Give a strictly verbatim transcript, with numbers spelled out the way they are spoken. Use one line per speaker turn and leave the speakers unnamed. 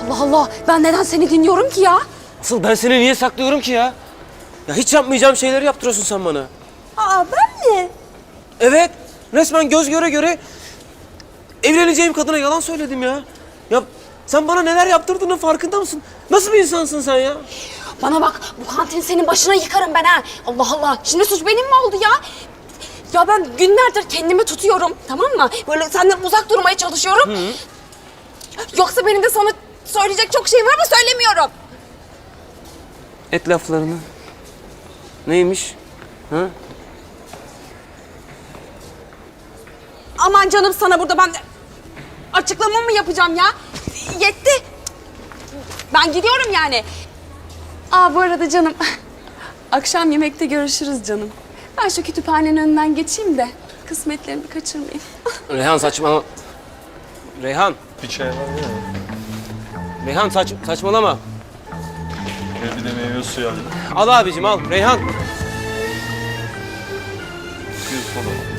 Allah Allah, ben neden seni dinliyorum ki ya?
Asıl ben seni niye saklıyorum ki ya? Ya hiç yapmayacağım şeyleri yaptırıyorsun sen bana.
Aa, ben mi?
Evet, resmen göz göre göre evleneceğim kadına yalan söyledim ya. Ya sen bana neler yaptırdığının farkında mısın? Nasıl bir insansın sen ya?
Bana bak, bu kantini senin başına yıkarım ben ha. Allah Allah, şimdi suç benim mi oldu ya? Ya ben günlerdir kendimi tutuyorum, tamam mı? Böyle senden uzak durmaya çalışıyorum. Hı. Yoksa benim de sana söyleyecek çok şeyim var ama söylemiyorum.
Et laflarını. Neymiş? Ha?
Aman canım, sana burada ben de açıklama mı yapacağım ya? Yetti. Ben gidiyorum yani. Aa, bu arada canım, akşam yemekte görüşürüz canım. Ben şu kütüphanenin önünden geçeyim de kısmetlerimi kaçırmayayım.
Reyhan saçma... Reyhan,
Bir çay var mı?
Reyhan saç, saçmalama.
Ve bir de meyve suyu alayım.
Al abicim al, Reyhan.
Bir soda.